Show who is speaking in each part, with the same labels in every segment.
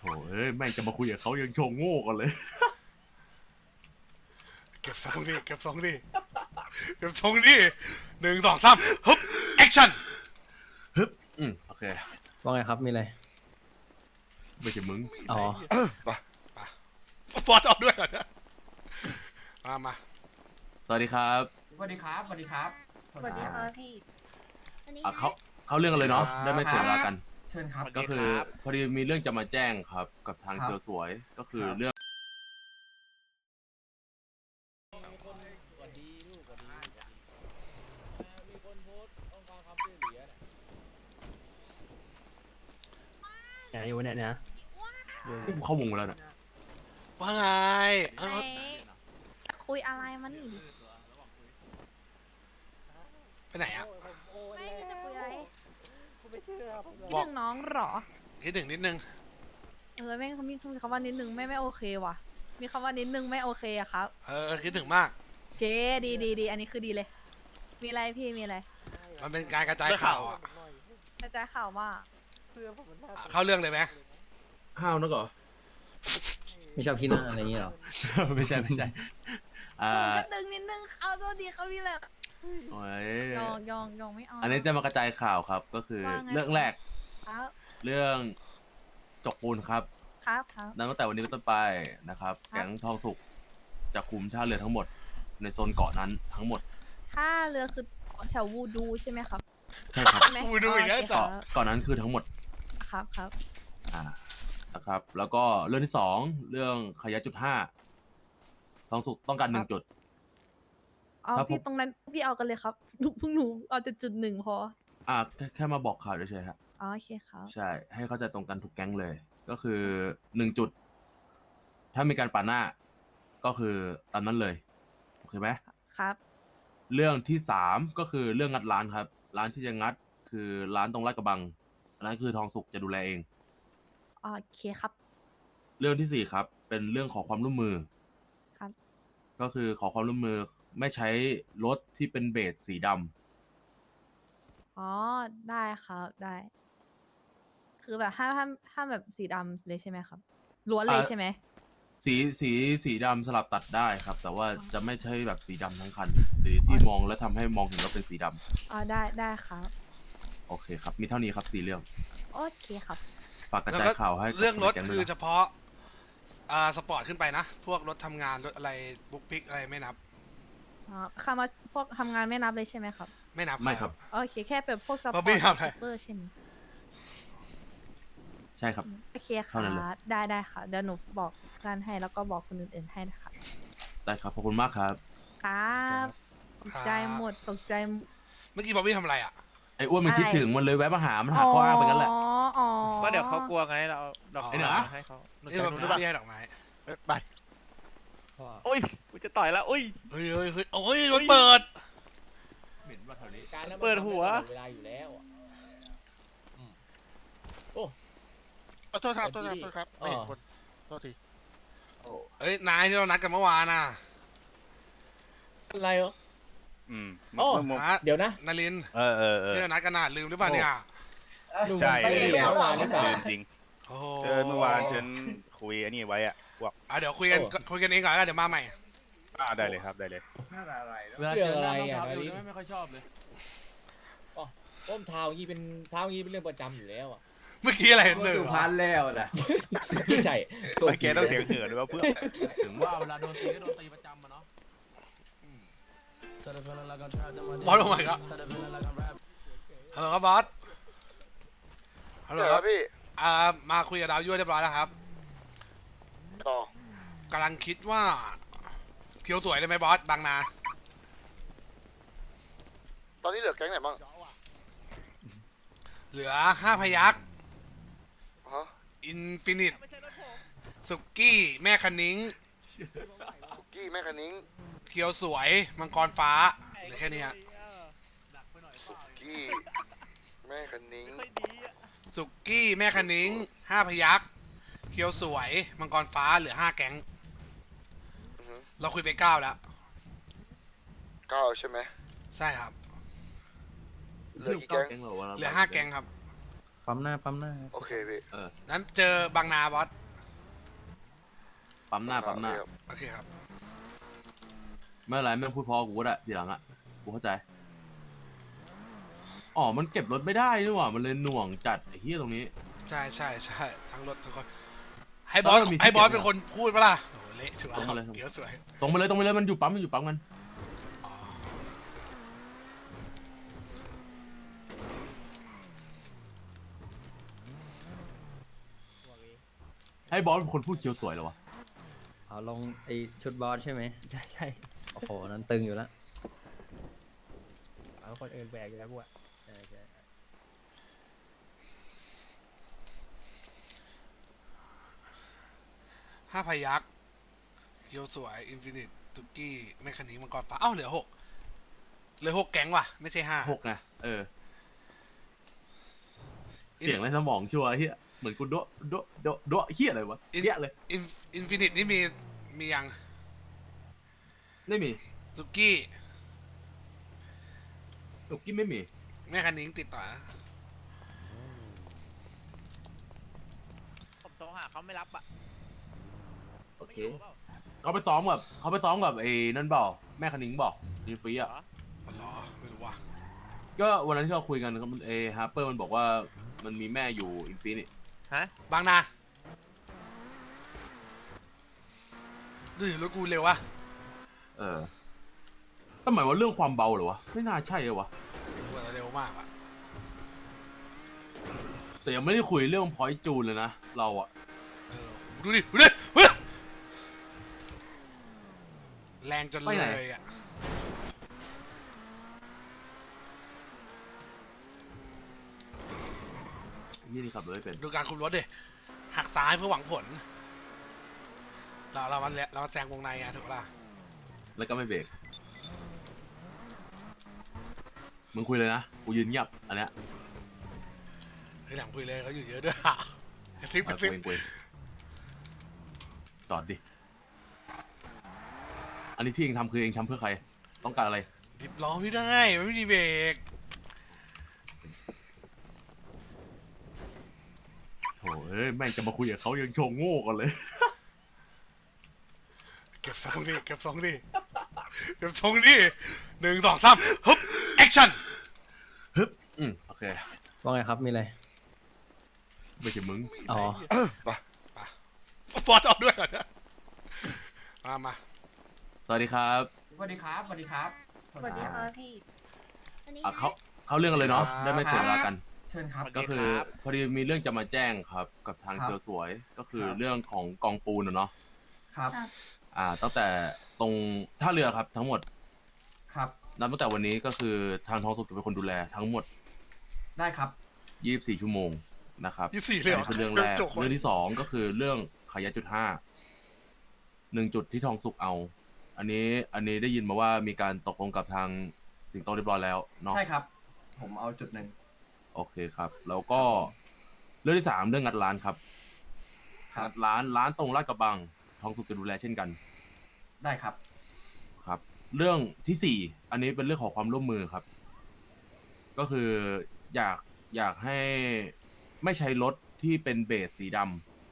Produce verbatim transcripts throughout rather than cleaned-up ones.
Speaker 1: เอ้ยแม่งจะมาคุยกับเขายังโชงโง่กันเลย
Speaker 2: เก็บทรงดิเก็บทรงดิเก็บทรงดิหนึ่งสองสามฮึบแอคชั่น
Speaker 1: ฮึบอืมโอเค
Speaker 3: ว่าไงครับมีอะไร
Speaker 1: ไม่ใช่มึง
Speaker 3: อ๋อ
Speaker 2: มามาบอสเอาด้วยก่อนนะมามา
Speaker 1: สวัสดีครับ
Speaker 4: สวัสดีครับสวัสดีครับ
Speaker 5: สวัสดีค่ะพี่
Speaker 1: อ่ะเขาเขาเรื่องกันเลยเนาะได้ไม่เสียเวลากัน
Speaker 4: เชิญครับ
Speaker 1: ก็คือพอดีมีเรื่องจะมาแจ้งครับ กับทาง
Speaker 4: ครับ
Speaker 1: เกียวสวยก็คือ
Speaker 4: ครับ
Speaker 1: เรื่อง
Speaker 3: ไหนอยู่เนี่ยนะ
Speaker 1: เข้าวงมาแล้วนะ
Speaker 2: ว่าไงเอ้า
Speaker 5: คุยอะไรมันนี่
Speaker 2: ไปไหนอ่ะ
Speaker 5: ไม่จะคุยอะไร
Speaker 2: บอ
Speaker 5: คิด
Speaker 2: ก
Speaker 5: ถึงน้องเหรอ
Speaker 2: คิดถึงนิดนึง
Speaker 5: เออแม่งมีมีคำว่านิดนึงไม่ไม่โอเคว่ะ มีคำว่านิดนึงไม่โอเคอะครับ
Speaker 2: เออคิดถึงมาก
Speaker 5: เก๋ดีดีดีอันนี้คือดีเลย มีอะไรพี่มีอะไร
Speaker 2: มันเป็นการกระจายข่าวอ่ะ
Speaker 5: กระจายข่าวว่า
Speaker 2: อ่ะเข้าเรื่องเลยไหม
Speaker 1: ห้าวนักเหรอ
Speaker 3: ไม่ชอบขี้หน้าอะไรอย่างเงี้ยหรอ
Speaker 1: ไม่ใช่ไม่ใช่อ่า
Speaker 5: นิดนึงนิดนึงเขาตัวดีเขามีแหละ
Speaker 1: โอ้ย
Speaker 5: ยองยองยองไม่เอา
Speaker 1: อันนี้จะมากระจายข่าวครับ ก็คือ
Speaker 5: ว่าไง
Speaker 1: เรื่องแรก
Speaker 5: ครับ
Speaker 1: เรื่องจกปูนครับ
Speaker 5: ครับครับ
Speaker 1: นับตั้งแต่วันนี้เป็นต้นไปนะครับ
Speaker 5: ครับ
Speaker 1: แก๊งทองสุกจะคุมท่าเรือทั้งหมด ในโซนเกาะนั้นทั้งหมด
Speaker 5: ถ้าเรือคือแถววูดูใช่ไหมครับ
Speaker 1: ใช่ครับ
Speaker 5: ใช่ไหม
Speaker 2: กูดูอีกแล้ว
Speaker 5: โเค
Speaker 2: ต่อ
Speaker 1: เกาะเกาะนั้นคือทั้งหมด
Speaker 5: ครับครับ
Speaker 1: อ่านะครับ แล้วก็เรื่องที่สองเรื่องขยะจุดห้าทองสุกต้องการหนึ่งจุด
Speaker 5: เอา
Speaker 1: ครับผม
Speaker 5: พี่ตรงนั้นพี่เอากันเลยครับ หนูพวกหนูเอาแต่จุดหนึ่งพอ
Speaker 1: อ่าแค่แค่มาบอกข่าวเฉยๆครับ
Speaker 5: อ๋อโอเคครับ
Speaker 1: ใช่ ให้เข้าใจตรงกันทุกแก๊งเลย ก็คือหนึ่งจุด ถ้ามีการปาดหน้า ก็คือตามนั้นเลย โอเคไหม
Speaker 5: ครับ
Speaker 1: เรื่องที่สามก็คือเรื่องงัดร้านครับ ร้านที่จะงัดคือร้านตรงลาดกระบังอันนั้นคือทองสุกจะดูแลเอง
Speaker 5: โอเคครับ
Speaker 1: เรื่องที่สี่ครับ เป็นเรื่องขอความร่วมมือ
Speaker 5: ครับ
Speaker 1: ก็คือขอความร่วมมือไม่ใช้รถที่เป็นเบสสีดำ
Speaker 5: อ๋อ ได้ครับ ได้ คือแบบห้ามห้ามห้ามแบบสีดำเลยใช่ไหมครับ ล้วนเลย
Speaker 1: อ่า
Speaker 5: ใช่ไหม
Speaker 1: สีสีสีดำสลับตัดได้ครับ แต่ว่า
Speaker 5: อ๋อ
Speaker 1: จะไม่ใช่แบบสีดำทั้งคัน หรือที่มองแล้วทำให้มองเห็นว่าเป็นสีดำ
Speaker 5: อ๋อ ได้ ได้ครับ
Speaker 1: โอเคครับ มีเท่านี้ครับสี่เรื่อง
Speaker 5: โอเคครับ
Speaker 1: ฝากกระ
Speaker 2: แล้ว
Speaker 1: จาย
Speaker 2: ก็
Speaker 1: ข่าวให้กับ
Speaker 2: เรื่องรถ
Speaker 1: นในแก๊งด้
Speaker 2: คื
Speaker 1: วย
Speaker 2: อ
Speaker 1: นะ
Speaker 2: เฉพาะอ่าสปอร์ตขึ้นไปนะ พวกรถทำงานรถอะไรบุ๊กพิกอะไรไม่นับ
Speaker 5: อ๋อคำว่าพวกทำงานไม่นับเลยใช่ไหมครับ
Speaker 2: ไม่นับ
Speaker 1: ไม่ครับ
Speaker 5: โอเค แค่เป็นพวกซัพพ
Speaker 2: เพ
Speaker 5: อ
Speaker 2: ราะพี่
Speaker 5: ร์ต
Speaker 2: ทำอะไร
Speaker 5: ซูเปอร์ใช่ไหม
Speaker 1: ใช่ครับ
Speaker 5: โอเคค
Speaker 1: เท่านั้นเลย
Speaker 5: รับ ได้ได้ค่ะ เดี๋ยวหนูบอกกันให้แล้วก็บอกคนอื่นๆให้นะคะ
Speaker 1: ได้ครับ ขอบคุณมากครับ
Speaker 5: ครับตกใจหมด ตกใจหมด
Speaker 2: เมื่อกี้บอบบี้ทำอะไรอ่ะ
Speaker 1: ไอ้อ้วนมัน
Speaker 5: อะไร
Speaker 1: คิดถึงมันเลยแวะมาหา มันหาข้ออ้างไปงั้นแหละ
Speaker 5: อ๋อ อ๋อ
Speaker 6: ก็เดี๋ยวเขากลัวไงเราเอาดอก
Speaker 2: อ๋อ
Speaker 6: ไม้
Speaker 1: ไอ้เหนือ
Speaker 6: มาให้เขาหนู
Speaker 2: นี่
Speaker 6: จะ
Speaker 2: บอบ
Speaker 6: รู้หรือเปล่า
Speaker 2: บี้ให้ดอกไม้
Speaker 7: ไป
Speaker 6: โอ้ยกูจะต่อยแล้วโอ้ย
Speaker 2: เฮ้ยเฮ้ยเฮ้ยโอ้ยรถเปิด
Speaker 1: เหม็นว่าแถวนี้
Speaker 3: การนั้น
Speaker 6: เปิดหัว
Speaker 3: เวลาอยู่แล้วอะ
Speaker 7: ขอโทษครับโทษครับโทษครับไม่เห็นคนโทษที
Speaker 2: เฮ้ย นายที่เรานัดกันเมื่อวานน่ะ
Speaker 3: อะไรเหรอ
Speaker 7: อืม
Speaker 3: โอ้
Speaker 7: มึง
Speaker 2: ฮะ
Speaker 3: เดี๋ยวนะ
Speaker 2: นาริน
Speaker 7: เออเออเออ
Speaker 2: ที่เรานัดกันน่ะลืมหรือเปล่าเนี่ย
Speaker 3: ลุง
Speaker 7: ใช่
Speaker 3: ไปเรียนเมื่อวานหรือเปล่า
Speaker 7: เดินจริง
Speaker 2: โอ้โห
Speaker 7: เออเมื่อวานฉันคุยอันนี้ไว้อะบอก
Speaker 2: อ่ะเดี๋ยวคุยกัน
Speaker 3: โอ้
Speaker 2: คุยกันเองก่อนแล้วกันเดี๋ยวมาใหม่
Speaker 7: อ่าได้เลยครับได้เลย
Speaker 1: เวลาเจอหน้าน้องเท้าเอวไม่ไม่ค่อยชอบเลย
Speaker 8: ต้มเท้างี้เป็นเท้างี้เป็นเรื่องประจำอยู่แล้วอ่ะ
Speaker 2: เมื่อกี้อะไรหนึ่ง
Speaker 4: สุพรรณแล้วนะ
Speaker 8: ไม่ใช่
Speaker 7: ไม่แกต้องเสียงเหือด้วยว่าเพื่อน
Speaker 1: ถึงว่าเวลาโดนตีก็โดนตีประจำมาเนาะ
Speaker 2: บอสลงมาอีกแล้วฮัลโหลครับบอสฮัลโหลครับ
Speaker 7: พี่
Speaker 2: อ่ามาคุยกับดาวยั่วเรียบร้อยแล้วครับ
Speaker 7: ต่อก
Speaker 2: ำลังคิดว่าเคียวสวยได้ไหมบอสบางนา
Speaker 7: ตอนนี้เหลือแก๊งไหนบ้าง
Speaker 2: เหลือห้าพยัก
Speaker 7: ฮะ
Speaker 2: อินฟินิตสุกี้แม่คันนิ้ง
Speaker 7: คุกกี้แม่คันนิ้ง
Speaker 2: เคียวสวยมังกรฟ้าเหลือแค่นี้ฮะ
Speaker 7: คุกกี้แม่คันนิ้ง
Speaker 2: สุกี้แม่คันนิ้งห้าพยักเคียวสวยมังกรฟ้าเหลือห้าแก๊ง
Speaker 7: อือฮึ
Speaker 2: เราคุยไปเก้าแล้ว
Speaker 7: เก้าใช่ไหม
Speaker 2: ใช่ครับ
Speaker 7: เหลือกี่แก๊ง
Speaker 1: เหลือ
Speaker 2: เหลือห้าแก๊งครับ
Speaker 7: ห
Speaker 3: ปั๊มหน้าปั๊มหน้า
Speaker 9: โอเคพี่
Speaker 1: เออ
Speaker 2: นั้นเจอบางนาบอส
Speaker 1: ปั๊มหน้าปั๊มหน้า
Speaker 2: โอเคครับ
Speaker 1: ไม่เป็นไรไม่ต้องพูดเพอกูก็ได้ทีหลังอ่ะกูเข้าใจอ๋อมันเก็บรถไม่ได้นี่หว่ามันเลยหน่วงจัดไอ้เหี้ยตรงนี้
Speaker 2: ใช่ใช่ใช่ทั้งรถทั้งคนให้บอส
Speaker 1: แล้วมันมีที่
Speaker 2: ให้บอส
Speaker 1: เก็บ
Speaker 2: เป็นคนพูดปะล่ะโอ้โหเละชัวร์
Speaker 1: ตรงมาเลย
Speaker 2: เดี๋ยวสวย
Speaker 1: ตรงไปเลยตรงไปเลยมันอยู่ปั๊มมันอยู่ปั๊มกัน
Speaker 2: อ๋อ
Speaker 1: ให้บอสเป็นคนพูดเคียวสวยเหรอวะ
Speaker 3: เอาลงไอชุดบอสใช่ไหม
Speaker 6: ใช่ใช่
Speaker 3: โอ้โหนั้นตึงอยู่แล้ว
Speaker 6: เอาคนอื่นแบกอยู่แล้วพวก
Speaker 3: ใช่ใช่
Speaker 2: ห้าพยักเกียวสวยอินฟินิตตุกกี้แมคคานิกมังกรฟ้าเอ้าเหลือหกเหลือหกแก๊งว่ะไม่ใช่ห้า
Speaker 1: หกไงเออเสียงไรสมองชัวร์เฮียเหมือนกูโดะโดะโดะโดะเฮียอะไรวะเฮียเลย
Speaker 2: อินอินฟินิตนี่มีมียัง
Speaker 1: ไม่มี
Speaker 2: ตุกกี้
Speaker 1: ตุกกี้ไม่มี
Speaker 2: แมคคานิกติดต่อนะ
Speaker 6: ผมโทรหาเขาไม่รับอ่ะ
Speaker 1: โอเค
Speaker 6: ไม่อยู่เปล่า
Speaker 1: เขาไปซ้อมกับเขาไปซ้อมกับไอ้นั่นบอกแม่คณิงบอกดีฟรี
Speaker 6: เหร
Speaker 1: อ่ะ
Speaker 6: อ
Speaker 2: อ๋อเหรอไม่รู้ว่ะ
Speaker 1: ก็วันนั้นที่เราคุยกันก็มันเอฮาร์เปอร์มันบอกว่ามันมีแม่อยู่อินฟินิต
Speaker 6: ฮะ
Speaker 2: บางนาดูรถกูเร็ววะ
Speaker 1: เออก็หมายว่าเรื่องความเบาเหรอวะไม่น่าใช่เลยวะ
Speaker 2: กูว่าเร็วมากอะ
Speaker 1: แต่ยังไม่ได้คุยเรื่องพอยต์จูนเลยนะเราอะ
Speaker 2: เออดูดิดูดิเฮ้ยแรงจนเลยอะ
Speaker 1: ยี่นี่ขับรถไม่เป็น
Speaker 2: ดูการคุมรถดิหักซ้ายเพื่อหวังผล เราเรามันเรามาแซงวงในอะถูกปะล่ะ
Speaker 1: แล้วก็ไม่เบรกมึงคุยเลยนะกูยืนเงียบอันเนี้ย
Speaker 2: เฮ้ยหลังคุยเลยเขาอยู่เยอะด้วยกระซิบก
Speaker 1: เอา
Speaker 2: ระ
Speaker 1: กู
Speaker 2: ซิบ
Speaker 1: เองกูเองจอดดิอันนี้ที่เองทำคือเองทำเพื่อใครต้องการอะไร
Speaker 2: ดิบล้อไม่ได้มันไม่มีเบรก
Speaker 1: โถเอ้ยแม่งจะมาคุยกับเขายังโชงโง่กันเลย
Speaker 2: เก็บทรงดิเก็บทรงดิเก็บทรงดิหนึ่งสองสามฮึบแอคชั่น
Speaker 1: ฮึบอืมโอเค
Speaker 3: ว่าไงครับมีอะไร
Speaker 1: ไม่ใช่มึง
Speaker 3: อ๋อ
Speaker 2: บอสเอาด้วยเหรอเนี่ยมามา
Speaker 1: สวัสดีครับ
Speaker 4: สวัสดีครับสวัสดีครับ
Speaker 5: สวัสดีค่ะพี่
Speaker 1: อ่ะเขาเขาเรื่องกันเลยเนาะได้ไม่เสียเวลากัน
Speaker 4: เชิญครับ
Speaker 1: ก็คือพอดีมีเรื่องจะมาแจ้งครับ กับทาง
Speaker 4: ครับ
Speaker 1: เกียวสวยก็คือ
Speaker 4: ครับ
Speaker 1: เรื่องของกองปูนอะเนาะ
Speaker 4: ครับ
Speaker 1: อ่าตั้งแต่ตรงท่าเรือครับทั้งหมด
Speaker 4: ครับ
Speaker 1: นับตั้งแต่วันนี้ก็คือทางท้องสุขจะเป็นคนดูแลทั้งหมด
Speaker 4: ได้ครับ
Speaker 1: ยี่สิบสี่ชั่วโมงนะครับ
Speaker 2: ยี่สิบสี่เลยเหรอ
Speaker 1: อันนี้คือเรื่องแรก
Speaker 2: จบ
Speaker 1: เรื่องที่สองก็คือเรื่องขายยาจุดห้าหนึ่งจุดที่ทองสุกเอา อันนี้อันนี้ได้ยินมาว่ามีการตกลงกับทางสิงโตเรียบร้อยแล้วเนาะ
Speaker 4: ใช่ครับ ผมเอาจุดหนึ่ง
Speaker 1: โอเคครับ แล้วก็เรื่องที่สามเรื่องงัดร้านครับ
Speaker 4: ครับ
Speaker 1: งัดร้านร้านตรงลาดกระบังทองสุกจะดูแลเช่นกัน
Speaker 4: ได้ครับ
Speaker 1: ครับ เรื่องที่สี่อันนี้เป็นเรื่องของความร่วมมือครับ ก็คืออยากอยากให้ไม่ใช้รถที่เป็นเบสสีดำ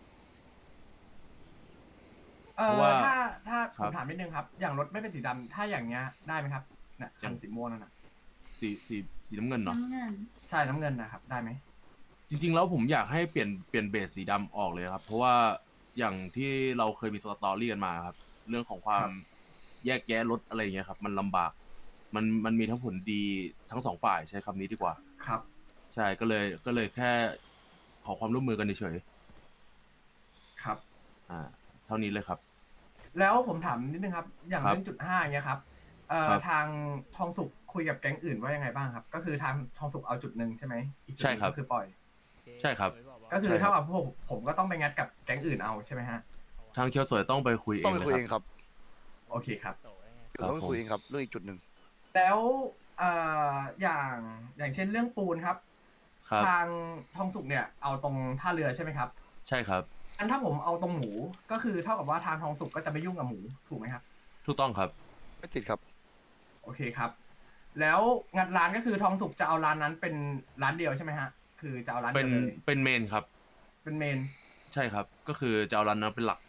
Speaker 4: เอ
Speaker 1: เพราะ
Speaker 4: อ
Speaker 1: ว่า
Speaker 4: ถ้าถ้า
Speaker 1: ค
Speaker 4: ผ
Speaker 1: รับ
Speaker 4: มถามนิดนึงครับ อย่างรถไม่เป็นสีดำถ้าอย่างเงี้ยได้ไหมครับเนี่ยคันสีม่วงนั่นน่ะ
Speaker 1: สีสีสีน้ำเงินเนาะ
Speaker 4: ใช่น้ำเงินนะครับ ได้ไหม
Speaker 1: จริงๆแล้วผมอยากให้เปลี่ยนเปลี่ยนเบสสีดำออกเลยครับ เพราะว่าอย่างที่เราเคยมีสตอรี่กันมาครับ เรื่องของความแยกแยะรถอะไรอย่างเงี้ยครับ มันลำบาก มันมันมีทั้งผลดีทั้งสองฝ่ายใช้คำนี้ดีกว่า
Speaker 4: ครับ
Speaker 1: ใช่ก็เลยก็เลยแค่ขอความร่วมมือกันเฉย
Speaker 4: ครับ
Speaker 1: ๆอ่า เท่านี้เลยครับ
Speaker 4: แล้วผมถามนิดนึงครับ อย่าง
Speaker 1: ครับ
Speaker 4: เรื่องจุดห้าเงี้ยครับเอ่อ
Speaker 1: ครับ
Speaker 4: ทางทองสุกคุยกับแก๊งอื่นว่ายังไงบ้างครับ ก็คือทางทองสุกเอาจุดหนึ่งใช่ไหมอีกจุดห
Speaker 1: ใช่
Speaker 4: นึ่ง
Speaker 1: ครับ
Speaker 4: ก็คือปล่อย
Speaker 1: ใช่ครับ
Speaker 4: ก็คือ
Speaker 1: ใช่ครับ
Speaker 4: เท่ากับพวกผมก็ต้องไปงัดกับแก๊งอื่นเอาใช่ไหมฮะ
Speaker 1: ทางเคียวสวยต้องไปคุยเอ
Speaker 9: ต้อง
Speaker 1: ง
Speaker 9: ไป
Speaker 1: เลย
Speaker 9: คุย
Speaker 1: ค
Speaker 9: เอ
Speaker 1: รับ
Speaker 9: งครับ
Speaker 4: โอเคครับ
Speaker 1: ครับ
Speaker 9: ต้องไป
Speaker 1: ผม
Speaker 9: คุยเองครับเรื่องอีกจุดหนึ่ง
Speaker 4: แล้วเอ่ออย่างอย่างเช่นเรื่องปูนครับ
Speaker 1: ครับ
Speaker 4: ทางทองสุกเนี่ยเอาตรงท่าเรือใช่ไหมครับ
Speaker 1: ใช่ครับ
Speaker 4: อันถ้าผมเอาตรงหมูก็คือเท่ากับว่าทางทองสุกก็จะไม่ยุ่งกับหมูถูกไหมครับ
Speaker 1: ถูกต้องครับ
Speaker 9: ไม่ติดครับ
Speaker 4: โอเคครับ แล้วงัดร้านก็คือทองสุกจะเอาร้านนั้นเป็นร้านเดียวใช่ไหมฮะคือจะเอาร้าน
Speaker 1: เป็
Speaker 4: เดี
Speaker 1: น
Speaker 4: ยวเลย
Speaker 1: เป็นเมนครับ
Speaker 4: เป็นเมน
Speaker 1: ใช่ครับ ก็คือจะเอาร้านนั้นเป็นหลัก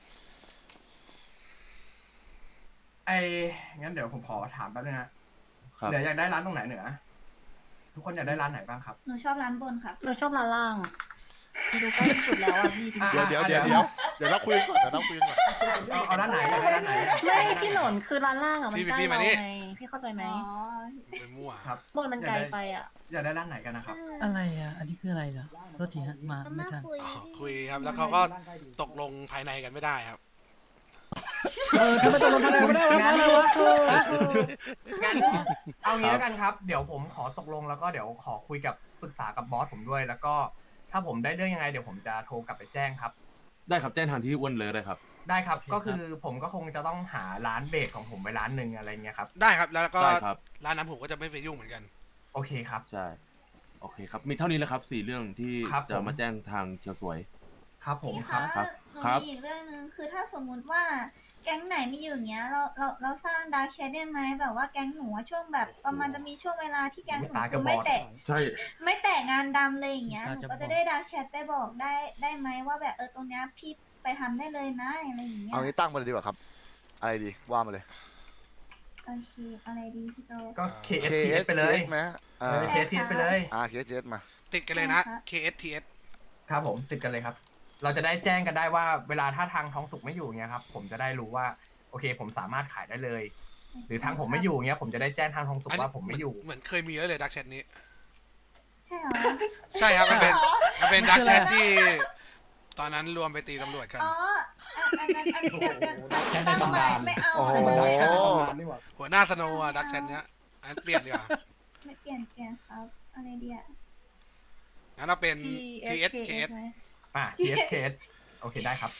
Speaker 4: ไอ้งั้นเดี๋ยวผมขอถามแป๊บนึงนะครับ เหนืออยากได้ร้านตรงไหนเหนือ ทุกคนอยากได้ร้านไหนบ้างครับ
Speaker 5: หนูชอบร้านบนครับ
Speaker 10: หนูชอบร้านล่างดูใกล้ที่สุดแล้วอ่ะพี่จริง
Speaker 4: อ่ะ
Speaker 10: ๆ
Speaker 9: เดี๋ยวเดี๋ยวเดี๋ยวเดี๋ยวเดี๋ยวเราคุยกันก่อนเดี๋ยวเราคุยกันก่อน
Speaker 4: เอาเอาร้านไหนอยากได้ร้านไหนอะ
Speaker 10: ไม่พี่หนนคือร้านล่างอ่ะมัน
Speaker 2: พี่
Speaker 10: ใกล้
Speaker 2: พี่มา
Speaker 10: เรา
Speaker 2: นี่
Speaker 10: ไงพี่เข้าใจไหม
Speaker 2: ไปมั่ว
Speaker 4: ครับ
Speaker 10: บนมันไกลไปอ่ะ
Speaker 4: อยากได้ร้านไหนกันนะครับ
Speaker 11: อะไรอ่ะ อันนี้คืออะไรเหรอโทษทีฮะ มาไม่ทัน
Speaker 2: อ๋อคุยครับ แล้วเขาก็ตกลงภายในกันไม่ได้ครับ
Speaker 11: เออทำไมตกลงกันไม่ได้วะ
Speaker 4: งั้น
Speaker 11: อะไรวะ
Speaker 4: งั้นเอางี้แล้วกันครับ เดี๋ยวผมขอตกลงแล้วก็เดี๋ยวขอคุยกับปรึกษากับบอสผมด้วย แล้วก็ถ้าผมได้เรื่องยังไงเดี๋ยวผมจะโทรกลับไปแจ้งครับ
Speaker 1: ได้ครับแจ้งทางที่อ้วนเลยได้ครับ
Speaker 4: ได้ครับ ก็คือผมก็คงจะต้องหาร้านเบสของผมไปร้านหนึ่งอะไรเงี้ยครับ
Speaker 2: ได้ครับ แล้วก็
Speaker 1: ได้ครับ
Speaker 2: ร้านนั้นผมก็จะไม่ไปยุ่งเหมือนกัน
Speaker 4: โอเคครับ
Speaker 1: ใช่ โอเคครับ มีเท่านี้แหละครับสี่เรื่องที่
Speaker 4: ครับ
Speaker 1: จะ
Speaker 4: ผม
Speaker 1: มาแจ้งทางเชียวสวย
Speaker 4: ครับผม
Speaker 5: พี่
Speaker 4: ครั
Speaker 5: คะ
Speaker 4: บ
Speaker 1: ครับ
Speaker 5: หนู
Speaker 1: ครับ
Speaker 5: มีอีกเรื่องหนึ่งคือถ้าสมมุติว่าแก๊งไหนไม่อยู่อย่างเงี้ย เราเราเราสร้างดาร์กแชทได้ไหมแบบว่าแก๊งหนูอะช่วงแบบประมาณจะมีช่วงเวลาที่แก๊งหนู
Speaker 4: ตาก
Speaker 5: คื
Speaker 4: ระ
Speaker 5: อบ ไม่
Speaker 4: อด
Speaker 5: แตะ
Speaker 1: ใช่
Speaker 5: ไม่แตะงานดำเลยอย่างเงี้ย
Speaker 11: ตา
Speaker 5: หนู
Speaker 11: จะ
Speaker 5: ก็
Speaker 11: บ
Speaker 5: จะ
Speaker 11: อด
Speaker 5: ได้ดาร์กแชทไปบอกได้ได้ไหมว่าแบบเออตรงเนี้ยพี่ไปทำได้เลยนะอะไรอย่างเงี้ย
Speaker 9: เอางี้ตั้งมาเลยดีกว่าครับ อะไรดีว่ามาเลย
Speaker 5: โอเคอะไรดีพี่โต
Speaker 4: ก็
Speaker 2: เค
Speaker 4: เค เอส ที เอส ไปเลย
Speaker 9: ไหม
Speaker 4: เอ
Speaker 9: อ่า
Speaker 4: อ เค เอส ที เอส ไปเลย
Speaker 9: อ่า เค เอส ที เอส มา
Speaker 2: ติดกันเลยนะ
Speaker 5: ครับ
Speaker 2: เค เอส ที เอส
Speaker 4: ครับผมติดกันเลยครับ เราจะได้แจ้งกันได้ว่าเวลาถ้าทางท้องสุกไม่อยู่เงี้ยครับ ผมจะได้รู้ว่าโอเค ผมสามารถขายได้เลย หรือทางผมไม่อยู่เงี้ยผมจะได้แจ้งทางท้องสุกว่าผมไม่อยู่
Speaker 2: เหมือนเคยมีแล้วเลยดักแชทนี้
Speaker 5: ใช่เหรอ
Speaker 2: ใช่ครับ มันเป็น มันเป็น
Speaker 11: มัน
Speaker 2: ดัก
Speaker 11: คือ
Speaker 2: แช
Speaker 11: อะไร
Speaker 2: ทที่ ตอนนั้นรวมไปตีตำรวจกัน
Speaker 5: อ๋ออันอันนั้นอันนี้เดี๋ยวเดี๋ยว
Speaker 4: แค่ใน
Speaker 5: ตั้ง
Speaker 4: ตำ
Speaker 5: ไว้
Speaker 4: นาน
Speaker 5: ไม่เอา
Speaker 9: โอ้โห
Speaker 5: อันนั้น
Speaker 2: หัวหน้าสโนว์อะดักแชทเนี้ยอันเปลี่ยนดีกว่า
Speaker 5: ไม่เปลี่ยนเปลี่ยนครับอะไรดีอะ
Speaker 2: งั้นเราเป็น
Speaker 10: T
Speaker 2: T
Speaker 10: S
Speaker 2: S
Speaker 10: K
Speaker 2: K
Speaker 10: S
Speaker 2: S
Speaker 10: ไหม
Speaker 4: อ่า ที เอส เค เอส โอเคได้ครับ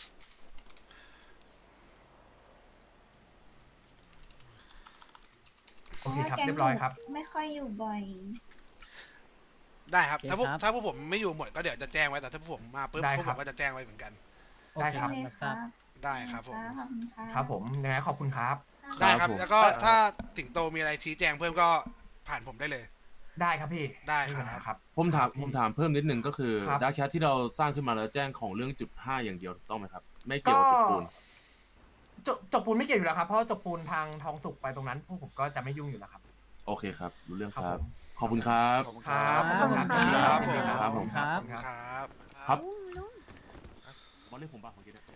Speaker 4: โอเคครับ เรียบร้อยครับ
Speaker 5: ไม่ค่อยอยู่บ่อย
Speaker 2: ได้ครับ
Speaker 11: โอเค
Speaker 2: ถ้าพวก
Speaker 11: ครับ
Speaker 2: ถ้าพวกผมไม่อยู่หมดก็เดี๋ยวจะแจ้งไว้ แต่ถ้าพวกผมมาปุ๊บ
Speaker 4: ได้
Speaker 2: พวก
Speaker 4: ค
Speaker 2: ผ
Speaker 4: รับ
Speaker 2: มก็จะแจ้งไว้เหมือนกัน
Speaker 4: ได้ครับ
Speaker 5: เลยครับ
Speaker 2: ได้ครับผม
Speaker 5: ขอบคุณครับ
Speaker 4: ครับผมยังไงขอบคุณครับ
Speaker 2: ได้ครับ
Speaker 1: ผม
Speaker 2: แล้วก็ถ้าสิงโตมีอะไรชี้แจงเพิ่มก็ผ่านผมได้เลย
Speaker 4: ได้ครับพี่
Speaker 2: ได้ครับ
Speaker 4: ม่มีปัญหาครับ
Speaker 1: ผมถาม
Speaker 4: พี่
Speaker 1: ผมถามเพิ่มนิดนึงก็คือ
Speaker 4: ครับ
Speaker 1: ดาร์กแชทที่เราสร้างขึ้นมาแล้วแจ้งของเรื่องจุดห้าอย่างเดียวถูกต้องไหมครับ ไม่เกี่ยวกับจุดปูน
Speaker 4: จบจบปูนไม่เกี่ยวอยู่แล้วครับ เพราะว่าจบปูนทางทองสุกไปตรงนั้นพวกผมก็จะไม่ยุ่งอยู่แล้วครับ
Speaker 1: โอเคครับ รู้เรื่อง
Speaker 4: ค
Speaker 1: ค
Speaker 4: รั
Speaker 1: รั
Speaker 4: บบ ผม
Speaker 1: ขอบคุณครับ
Speaker 9: ขอบคุณ
Speaker 4: ค
Speaker 9: ค
Speaker 4: รั
Speaker 9: รั
Speaker 4: บบ ขอบคุณครับ
Speaker 2: ขอบคุณครับ
Speaker 4: ครับผม
Speaker 11: ครับ
Speaker 4: ครับ
Speaker 2: ครับ
Speaker 1: ครับ
Speaker 5: ลุงลุง
Speaker 1: บอลเรียกผมป่ะเมื่อกี้เนี่ย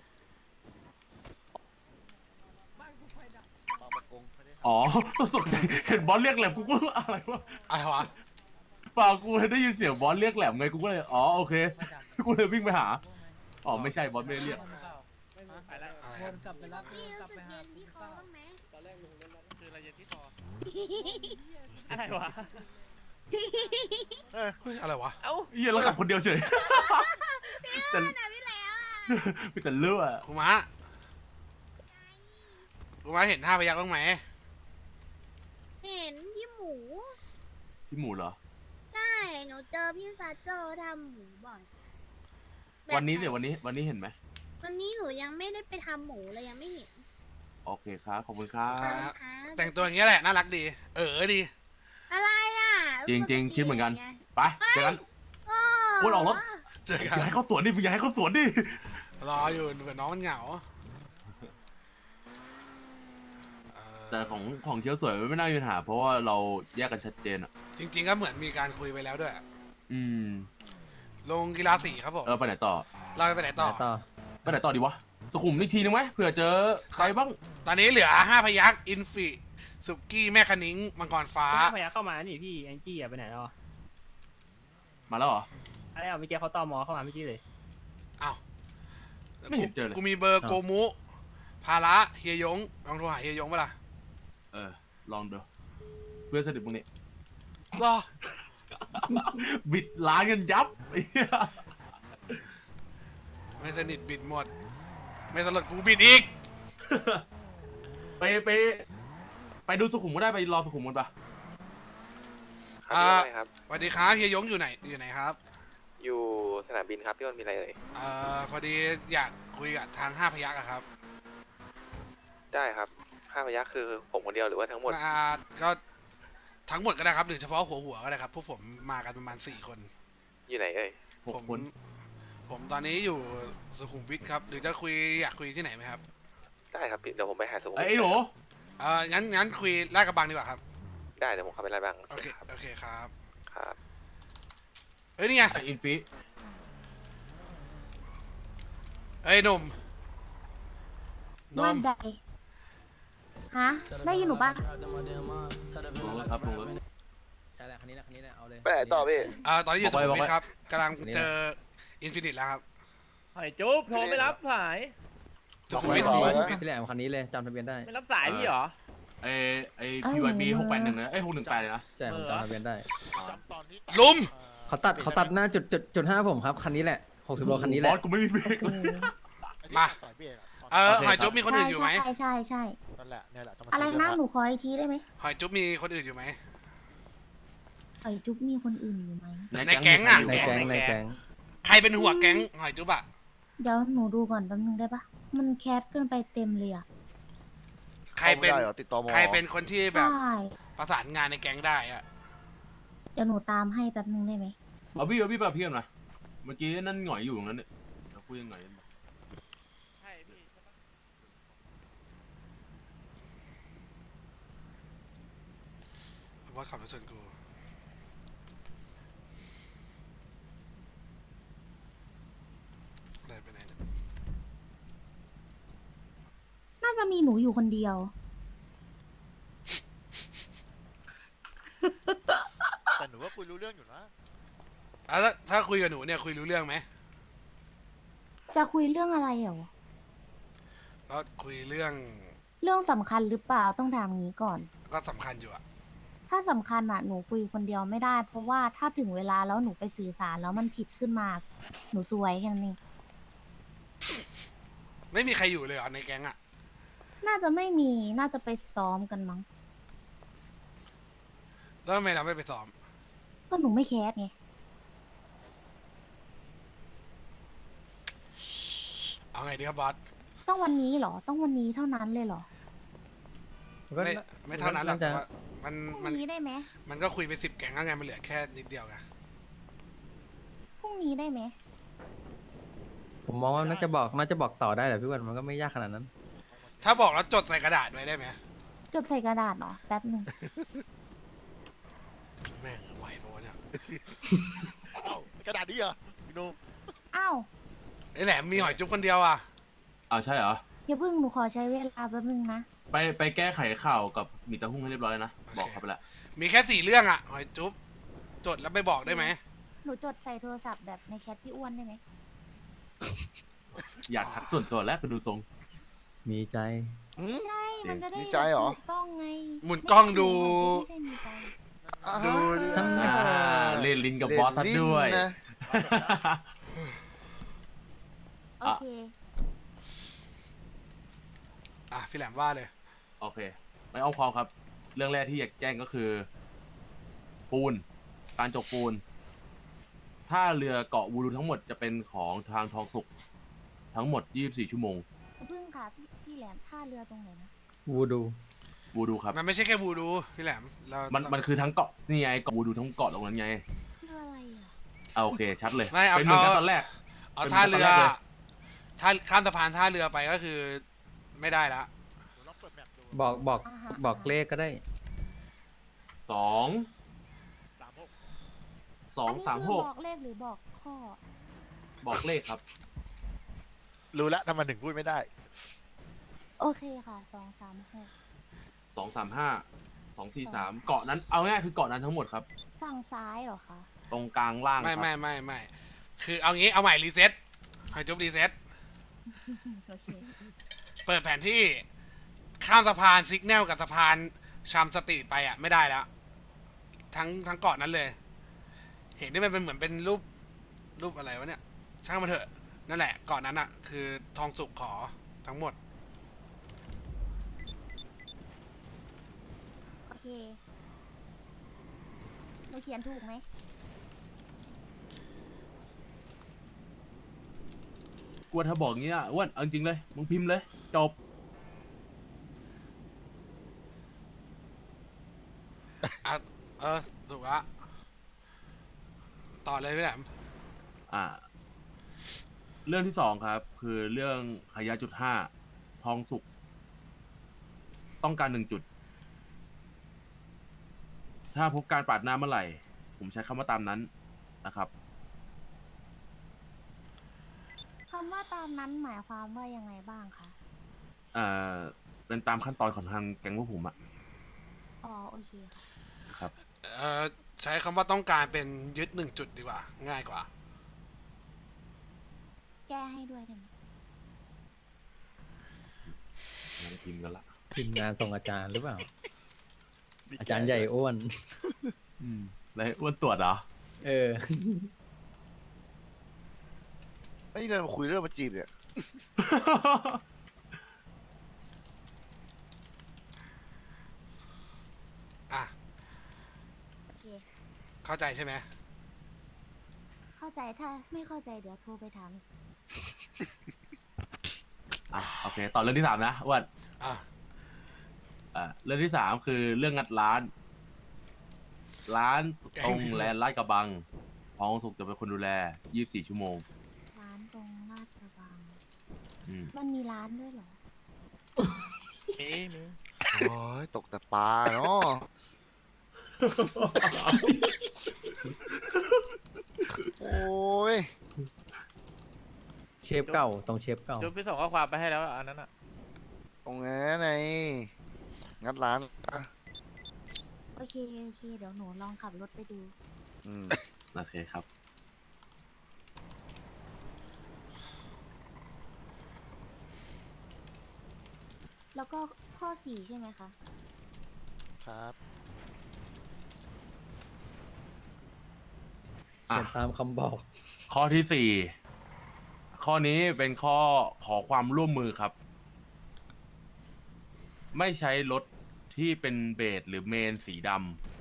Speaker 1: อ๋อตกใจเห็นบอลเรียกแหลมกูก็อะไรวะ
Speaker 2: อะไรวะ
Speaker 1: เปล่ากูได้ยินเสียงบอลเรียกแหลมไงกูก็เลยอ๋อโอเคกูเลยวิ่งไปหาอ๋อไม่ใช่บอลไม่ได้เรียก
Speaker 6: ไปแล้ว
Speaker 2: อะไร
Speaker 11: ว
Speaker 2: ครับ
Speaker 11: นกลับไปรับวนกลับไปหา
Speaker 10: ที่คอบ้างไหม
Speaker 6: คืออะไรเย็นที่คออะไรวะ
Speaker 2: เฮ้ยอะไรวะ
Speaker 6: เอ้า
Speaker 1: เฮียแล้วขับคนเดียวเฉยแต่มีแต่เลือด
Speaker 2: ครูม้าครูม้าเห็นห้าพยักบ้างไหม
Speaker 10: เห็นพี่หมู
Speaker 1: ที่หมูเหรอ
Speaker 10: ใช่ หนูเจอพี่ซาโจทำหมูบ่อย
Speaker 1: วันนี้เดี๋ยววันนี้วันนี้เห็นไหม
Speaker 10: วันนี้หนูยังไม่ได้ไปทำหมูเลยยังไม่เห็น
Speaker 1: โอเคครับขอบคุณครับ
Speaker 2: ครับ
Speaker 10: ค่ะ
Speaker 2: แต่งตัวอย่างเงี้ยแหละน่ารักดี เออดี
Speaker 10: อะไรอ่ะ
Speaker 1: จริงๆคิดเหมือนกัน
Speaker 10: ไง
Speaker 1: ไปเจอกัน
Speaker 10: โอ้
Speaker 1: พูดออกรถ
Speaker 2: เจอ
Speaker 1: อ
Speaker 2: กัน
Speaker 1: ย่าให้เขาสวนดิมึงอย่าให้เขาสวนดิ
Speaker 2: รออยู่เผื่อน้องมันเหงาเอ่อ
Speaker 1: แต่ของของเชียวสวยไม่น่ามีปัญหา เพราะว่าเราแยกกันชัดเจนอ่ะ
Speaker 2: จริง ๆ ก็เหมือนมีการคุยไปแล้วด้วย
Speaker 1: อืม
Speaker 2: ลงกีฬาสีครับผม
Speaker 1: เราไปไหนต่อ
Speaker 2: เราไปไหนต่อ
Speaker 3: ต่อ
Speaker 1: ไปไหนต่อดีวะสุขุมอีกทีนึงไหมเผื่อเจอใครบ้าง
Speaker 2: ตอนนี้เหลือห้าพยักอินฟิสุกี้แม่คณิ้งมังกรฟ้า
Speaker 6: พยาเข้ามานี่พี่แองจี้อะไปไหนแล้วอะ
Speaker 1: มาแล้วเหรอ
Speaker 6: อะไรอ่ะเมื่อกี้เขาตอมอเข้ามาเมื่อกี้เลย
Speaker 2: อ้าว
Speaker 1: ไม่เห็นเจอเลย
Speaker 2: กูมีเบอร์โกมุ ภาระเฮียยงลองโทรหาเฮียยงเปะล่า
Speaker 1: เออลองดูเพื่อนสนิทมึงนี่
Speaker 2: รอ
Speaker 1: บิดล้านกันยับไอ้เหี้ย
Speaker 2: ไม่สนิทบิดหมด ไม่สลดกูบิดอีก
Speaker 1: ไปไปไปดูสุขุมก็ได้ไปรอสุขุมกันปะ
Speaker 2: อ่าสวัสดีครับเฮียยงอยู่ไหนอยู่ไหนครับ
Speaker 12: อยู่สนามบินครับพี่อ้นมีอะไรเอ่ย
Speaker 2: เอ่อพอดีอยากคุยกับทางห้าพยักอะครับ
Speaker 12: ได้ครับห้าพยัคฆ์คือผมคนเดียวหรือว่าทั้งหมด
Speaker 2: อ่าก็ทั้งหมดก็ได้ครับหรือเฉพาะหัวหัวก็ได้ครับพวกผมมากันประมาณสี่คน
Speaker 12: อยู่ไหนเอ่ย
Speaker 1: หก
Speaker 2: ผม
Speaker 1: คน
Speaker 2: ผมตอนนี้อยู่สุขุมวิทครับ หรือจะคุยอยากคุยที่ไหนไหมครับ
Speaker 12: ได้ครับพี่เดี๋ยวผมไปหาสมุด
Speaker 1: ไอ้หนู
Speaker 2: เอองั้นงั้นคุยลาดกระบังดีกว่าครับ
Speaker 12: ได้เดี๋ยวผมเข้าไปไล่บ้าง
Speaker 2: โอเค
Speaker 12: ครับ
Speaker 2: โอเคครับ
Speaker 12: ครับ
Speaker 2: เอ้ยนี่ไง
Speaker 1: ไอ้อินฟิ
Speaker 2: เอ้ยหนุ่มหนุ่
Speaker 10: วัน
Speaker 2: ม
Speaker 10: ใดฮะ ได้ยินหนูปะ
Speaker 1: ลงรถครับลงรถ
Speaker 3: ใช่แหละคันนี้แหละคันนี้แหละเอาเลย
Speaker 9: ไปไหนต่อพี่
Speaker 2: อ่าตอนนี้อยู่
Speaker 1: บ
Speaker 2: สุ
Speaker 1: อกไว้
Speaker 2: ขุมวิ
Speaker 1: บอกไว้
Speaker 2: ทครับกำลังเจออินฟินิตแล้วครับ
Speaker 6: หอยจุ๊บโทรไม่รับสาย
Speaker 2: สุขุมวิท
Speaker 9: บอกไว้
Speaker 3: พี่แหลมคันนี้เลยจำทะเบียนได้
Speaker 6: ไม่รับสายพี่เหรอ
Speaker 1: ไอ้ไอ้พีวายบีหกแปดหนึ่งนะไอ้หกหนึ่งแปดเลยนะ
Speaker 3: ใช่ผมจำทะเบียนได้
Speaker 7: จำตอนที่
Speaker 2: ลุม
Speaker 3: เขาตัดเขาตัดหน้าจุดจุดจุดห้าผมครับคันนี้แหละหกสิบโลคันนี้แห
Speaker 1: บ
Speaker 3: ละ
Speaker 1: อสกูไม่มีเบรกเลย
Speaker 2: มา
Speaker 7: สายเบรกอะ
Speaker 2: เออ
Speaker 1: โอเค
Speaker 2: หอยจุ๊บ
Speaker 1: ครับ
Speaker 2: มีคน
Speaker 10: ใช่
Speaker 2: อื่นอยู่ไหม
Speaker 10: ใช่ใช่ใช่
Speaker 7: นั่นแหละเนี่ยแหละจมา
Speaker 10: อะไร
Speaker 7: ซื้
Speaker 10: นะ
Speaker 7: เสื้
Speaker 10: หนูขออีกทีได้ไหม
Speaker 2: หอยจุ๊บมีคนอื่นอยู่ไหม
Speaker 10: ไอยจุ๊บมีคนอื่นอยู่ไหม
Speaker 2: ในแก๊งอะ
Speaker 3: ในแก๊งในแก๊ง
Speaker 2: ใครเป็นหัวแก๊งหอยจุ๊บอะ
Speaker 10: เดี๋ยวหนูดูก่อนแป๊บนึงได้ปะมันแคสเกินไปเต็มเลยอ่ะ
Speaker 2: ใครเป็น
Speaker 9: ข้าไม่ได้หรอติดต่อมอ
Speaker 2: ใครเป็นคนที่แบบ
Speaker 10: ใช่
Speaker 2: ประสานงานในแก๊งได้อะ
Speaker 10: เดี๋ยวหนูตามให้แป๊บนึงได้ไหม
Speaker 1: เอาพี่เอาพี่ไปกับเพื่อนมาเมื่อกี้นั่นหงอยอยู่ตรงนั้นเนี่ยเราคุยยังไงกันบ้าง
Speaker 6: ใช่พี่ใช่ปะ
Speaker 2: ว่าขับรถชนกูอะไรไปไหนเนี่ย
Speaker 10: น่าจะมีหนูอยู่คนเดียว
Speaker 7: แต่หนูว่าคุยรู้เรื่องอยู่นะ
Speaker 2: อ่ะถ้าถ้าคุยกับหนูเนี่ยคุยรู้เรื่องไหม
Speaker 10: จะคุยเรื่องอะไรเหรอ
Speaker 2: ก็คุยเรื่อง
Speaker 10: เรื่องสำคัญหรือเปล่าต้องถามงี้ก่อน
Speaker 2: ก็สำคัญอยู่อะ
Speaker 10: ถ้าสำคัญอ่ะหนูคุยคนเดียวไม่ได้ เพราะว่าถ้าถึงเวลาแล้วหนูไปสื่อสารแล้วมันผิดขึ้นมา หนูซวยแค่นั้นเอง
Speaker 2: ไม่มีใครอยู่เลยเหรอในแก๊งอะ
Speaker 10: น่าจะไม่มีน่าจะไปซ้อมกันมั้ง
Speaker 2: แล้วทำไมเราไม่ไปซ้อม
Speaker 10: ก็หนูไม่แคสไง
Speaker 2: เอาไงดีครับบอส
Speaker 10: ต้องวันนี้เหรอ ต้องวันนี้เท่านั้นเลยเหรอ
Speaker 3: ก็
Speaker 2: ไม่ไม่เท่านั้นหรอกแต่
Speaker 3: จะ
Speaker 2: ว่ามัน
Speaker 10: พรุ่ง
Speaker 2: มัน
Speaker 10: นี้ได้ไหม
Speaker 2: มันก็คุยไปสิบแก๊งแล้วไงมันเหลือแค่นิดเดียวไง
Speaker 10: พรุ่งนี้ได้ไหม
Speaker 3: ผมมองว่าน่าจะบอกน่าจะบอกต่อได้แหละพี่วันมันก็ไม่ยากขนาดนั้น
Speaker 2: ถ้าบอกแล้วจดใส่กระดาษไว้ได้ไหม
Speaker 10: จดใส่กระดาษเหรอแป๊บหนึ่ง
Speaker 2: แม่งไหวปะวะเนี่ย
Speaker 7: เอ้ากระดาษนี้เหรอพี่หนุ่ม
Speaker 10: อ้าว
Speaker 2: ไอ้แหลมมีหอยจุ๊บคนเดียวอ่ะ
Speaker 1: อ้าวใช่เหรอ
Speaker 10: อย่าเพิ่งหนูขอใช้เวลาแป๊บหนึงนะ
Speaker 1: ไปไปแก้ไขข่าวกับหมีตะหุ้งให้เรียบร้อยแล้วนะบอกเขาไปแล้ว
Speaker 2: มีแค่สี่เรื่องอ่ะหอยจุ๊บจดแล้วไปบอกได้ไหม
Speaker 10: หนูจดใส่โทรศัพท์แบบในแชทพี่อ้วนได้ไหม
Speaker 1: อยากทักส่วนตัวแล้วก็ดูทรง
Speaker 3: มีใจ
Speaker 10: ใช่มันจะได้
Speaker 9: มีใจเหรอ
Speaker 10: ถูกต้องไง
Speaker 2: หมุนกล้องดู
Speaker 10: ไม่ใช่มีใจ
Speaker 2: ดู
Speaker 3: ทั้ง
Speaker 1: อ่าเล่นลินกับบอสทัดด้วย
Speaker 9: เล่นลิ้นนะ
Speaker 10: โอเค
Speaker 2: อ่ะพี่แหลมว่าเลย
Speaker 1: โอเค ไม่อ้อมความครับ เรื่องแรกที่อยากแจ้งก็คือ ปูน การจกปูน ถ้าเรือเกาะวูดูทั้งหมดจะเป็นของทางทองสุกทั้งหมดยี่สิบสี่ชั่วโมง
Speaker 10: อย่าเพิ่งค่ะพี่พี่แหลมท่าเรือตรงไหนนะ
Speaker 3: วูดู
Speaker 1: วูดูครับ
Speaker 2: มันไม่ใช่แค่บูดูพี่แหลมเรา
Speaker 1: มัน มันคือทั้งเกาะ นี่ไงเกาะวูดูทั้งเกาะตรงนั้นไง
Speaker 10: เรืออะไรอ่ะ
Speaker 1: เอาโอเค ชัดเลย
Speaker 2: ไม่เอา
Speaker 1: เป็นเหมือนกัน
Speaker 2: เอา
Speaker 1: ตอนแรก
Speaker 2: เอา
Speaker 1: เป็น
Speaker 2: ท่าเรือ
Speaker 1: ตอนแรกเลย
Speaker 2: ท่าข้ามสะพานท่าเรือไปก็คือ ไม่ได้ละ
Speaker 7: หนูลองเปิดแมปดู
Speaker 3: บอกบอก
Speaker 10: อ่าฮะ
Speaker 3: บอกเลขก็ได้
Speaker 1: สอง
Speaker 7: สามหก
Speaker 1: สองสามหก
Speaker 10: อันนี้คือบอกเลขหรือบอกข้อ
Speaker 1: บอกเลขครับ
Speaker 7: รู้แล้วทำไมถึงพูดไม่ได้
Speaker 10: โอเคค่ะสองสามหก
Speaker 1: สองสามห้า สองสี่สาม เกาะนั้น เอาง่ายๆคือเกาะนั้นทั้งหมดครับ
Speaker 10: ฝั่งซ้ายเหรอคะ
Speaker 1: ตรงกลางล่าง
Speaker 2: ไม่
Speaker 1: ครับ
Speaker 2: ไม่ไม่ไม่คือเอางี้เอาใหม่รีเซ็ตหอยจุ๊บรีเซ็ต
Speaker 10: โอเค
Speaker 2: เปิดแผนที่ข้ามสะพานซิกแนลกับสะพานชามสตรีทไปอ่ะไม่ได้แล้ว ทั้งทั้งเกาะนั้นเลย เห็นที่มันเป็นเหมือนเป็นรูปรูปอะไรวะเนี่ย ช่างมันเถอะ นั่นแหละเกาะนั้นอ่ะ คือทองสุกขอทั้งหมด
Speaker 10: โอเคหนูเขียนถูกไหม
Speaker 1: กลัวถ้าบอกงี้อ่ะอ้วนเอาจริงๆเลย มึงพิมพ์เลย จบ
Speaker 2: อ่ะ เออ ถูกละต่อเลยพี่แหลม
Speaker 1: อ่า เรื่องที่สองครับ คือเรื่องขยะจุดห้าทองสุกต้องการหนึ่งจุด ถ้าพบการปาดหน้าเมื่อไหร่ ผมใช้คำว่าตามนั้นนะครับ
Speaker 10: คำว่าตามนั้นหมายความว่ายังไงบ้างคะ
Speaker 1: เอ่อเป็นตามขั้นตอนของทางแก๊งพวกผมอะ
Speaker 10: อ๋อโอเคค่ะ
Speaker 1: ครับ
Speaker 2: เอ่อใช้คำว่าต้องการเป็นยึดหนึ่งจุดดีกว่า ง่ายกว่า
Speaker 10: แก้ให้ด้วยได้ไหม
Speaker 1: งานพิมพ์กันละ
Speaker 3: ทีมงานส่งอาจารย์หรือเปล่า อาจารย์ใหญ่อ้วน
Speaker 1: อืมแล้วอ้วนตรวจเหรอ
Speaker 3: เออ
Speaker 9: ไม่เดินมาคุยเรื่องมาจีบเนี่ย
Speaker 2: อ่ะ
Speaker 10: โอเค
Speaker 2: เข้าใจใช่ไหม
Speaker 10: เข้าใจถ้าไม่เข้าใจเดี๋ยวโทรไปถาม
Speaker 1: อ่ะโอเค ต่อเรื่องที่สามนะอ้วน
Speaker 2: อ่ะ
Speaker 1: อ่าเรื่องที่สามคือเรื่องงัดร้าน ร้านตรงแลนด์ลาดกระบังทองสุกจะเป็นคนดูแลยี่สิบสี่ชั่วโมง
Speaker 10: ร้านตรงลาดกระบัง
Speaker 1: อืม
Speaker 10: มันมีร้านด้วยเหรอ
Speaker 6: มีมี
Speaker 9: โอ้ยตกแต่ปลาเนาะ โอ้ย
Speaker 3: เชฟเก่าตรงเชฟเก่า
Speaker 6: จุ๊บพี่ส่งข้อความไปให้แล้วอันนั้นอ่ะ
Speaker 9: ตรงนั้นไงงัดร้านอ่ะ
Speaker 10: โอเคโอเค เดี๋ยวหนูลองขับรถไปดู
Speaker 9: อืม
Speaker 1: โอเคครับ
Speaker 10: แล้วก็ข้อสี่ใช่ไหมคะ
Speaker 9: ครับ
Speaker 1: อ่ะ
Speaker 3: เขียนตามคำบอก
Speaker 1: ข้อที่สี่ ข้อนี้เป็นข้อขอความร่วมมือครับ ไม่ใช้รถที่เป็นเบสหรือเมนสีด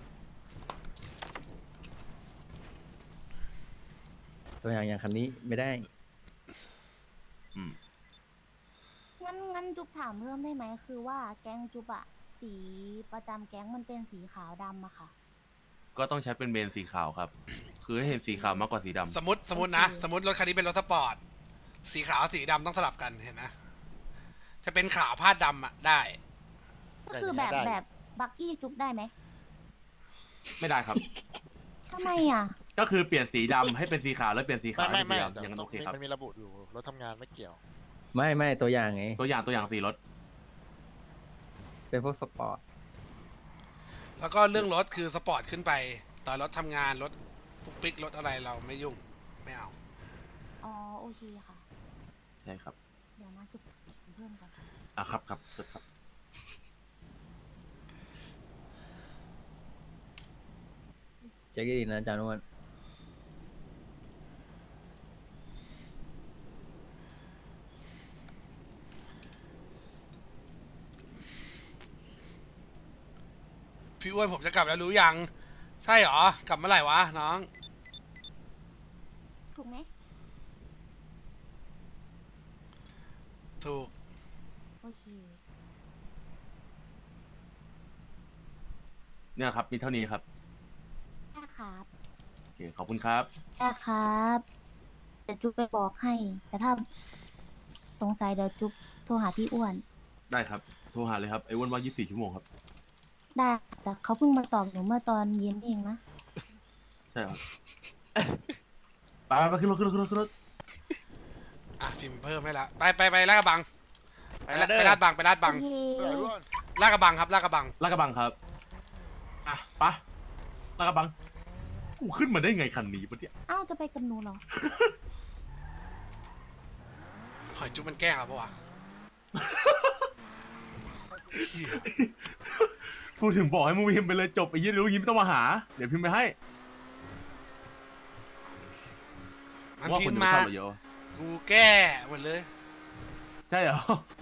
Speaker 3: ตัวอย่างอย่างคันนี้ไม่ได้
Speaker 1: ำอืม
Speaker 10: งั้นงั้นจุ๊บถามเพิ่มได้ไหม คือว่าแก๊งจุ๊บอะสีประจำแก๊งมันเป็นสีขาวดำอะค่ะ
Speaker 1: ก็ต้องใช้เป็นเมนสีขาวครับ คือให้เห็นสีขาวมากกว่าสีดำ
Speaker 2: สมมติสมมตินะ สมมติรถคันนี้เป็นรถสปอร์ต สีขาวสีดำต้องสลับกันเห็นไหมจะเป็นขาวพาดดำอ่ะได้
Speaker 10: ก็คือแบบแบบบักกี้จุ๊บได้ไหม
Speaker 1: ไม่ได้ครับ
Speaker 10: ทำไมอะ
Speaker 1: ก็คือเปลี่ยนสีดำให้เป็นสีขาวแล้วเปลี่ยนสีขาว
Speaker 9: ไม่
Speaker 1: ให้
Speaker 9: ไม่
Speaker 1: เป็นสีดำอย่างนั้นโอเคครับ
Speaker 9: มันมีระบุอยู่รถทำงานไม่เกี่ยว
Speaker 3: ไม่ไม่ตัวอย่างไง
Speaker 1: ตัวอย่างตัวอย่างสีรถ
Speaker 3: เป็นพวกสปอร์ต
Speaker 2: แล้วก็เรื่องรถคือสปอร์ตขึ้นไปตอนรถทำงานรถปุ๊กปิ๊กรถอะไรเราไม่ยุ่งไม่เอา
Speaker 10: อ๋อโอเคค่ะ
Speaker 1: ใช่ครับ
Speaker 10: เดี๋ยวนะจุ๊บเพิ่มก่อน
Speaker 1: อ่ะครับครับครับ
Speaker 3: เช็คดีๆนะอาจารย์อ้วน
Speaker 2: พี่อ้วนผมจะกลับแล้วรู้ยัง ใช่เหรอ กลับเมื่อไหร่วะน้อง
Speaker 10: ถูกไหม
Speaker 2: ถูก
Speaker 10: โอเค
Speaker 1: เนี่ยครับมีเท่านี้ครับ
Speaker 10: ได้ครับ
Speaker 1: โอเคขอบคุณครับ
Speaker 10: ได้ครับเดี๋ยวจุ๊บไปบอกให้ แต่ถ้าสงสัยเดี๋ยวจุ๊บโทรหาพี่อ้วน
Speaker 1: ได้ครับโทรหาเลยครับไอ้อ้วนว่ายี่สิบสี่ชั่วโมงครับ
Speaker 10: ได้ แต่เขาเพิ่งมาตอบหนูเมื่อตอนเย็นเองนะ
Speaker 1: ใช่ครับ ไปไปไปขึ้นรถขึ้นรถขึ้นรถขึ้นรถ
Speaker 2: อ่ะพิมพ์เพิ่มให้ละไปไปไปลาดกระบัง
Speaker 6: ไป
Speaker 2: ไป
Speaker 6: แล้
Speaker 2: ลาว ด
Speaker 6: เด้
Speaker 2: ไป
Speaker 6: อ
Speaker 2: ลาดบังไปลาดบัง
Speaker 10: โอเค
Speaker 2: ลาดกระบังครับลาดกระบัง
Speaker 1: ลาดกระบังครับอ่ะไปะลาดกระบังกูขึ้นมาได้ไงคันนี้ปะเนี่ย
Speaker 10: อ้าวจะไปกับหนูเหรอ
Speaker 2: หอยจุ๊บมันแกล้งเราปะวะเหี้ย
Speaker 1: พูดถึงบอกให้มึงพิมพ์ไปเลยจบไอ้ยี่รู้ยิ้มต้องมาหาเดี๋ยวพิมพ์ไปให้
Speaker 2: มัน
Speaker 1: ว่า
Speaker 2: พิ
Speaker 1: คน
Speaker 2: มพ์
Speaker 1: จะไม่
Speaker 2: มา
Speaker 1: ชอบเราเยอะ
Speaker 2: กูแก้หมดเลย
Speaker 1: ใช่เหรอ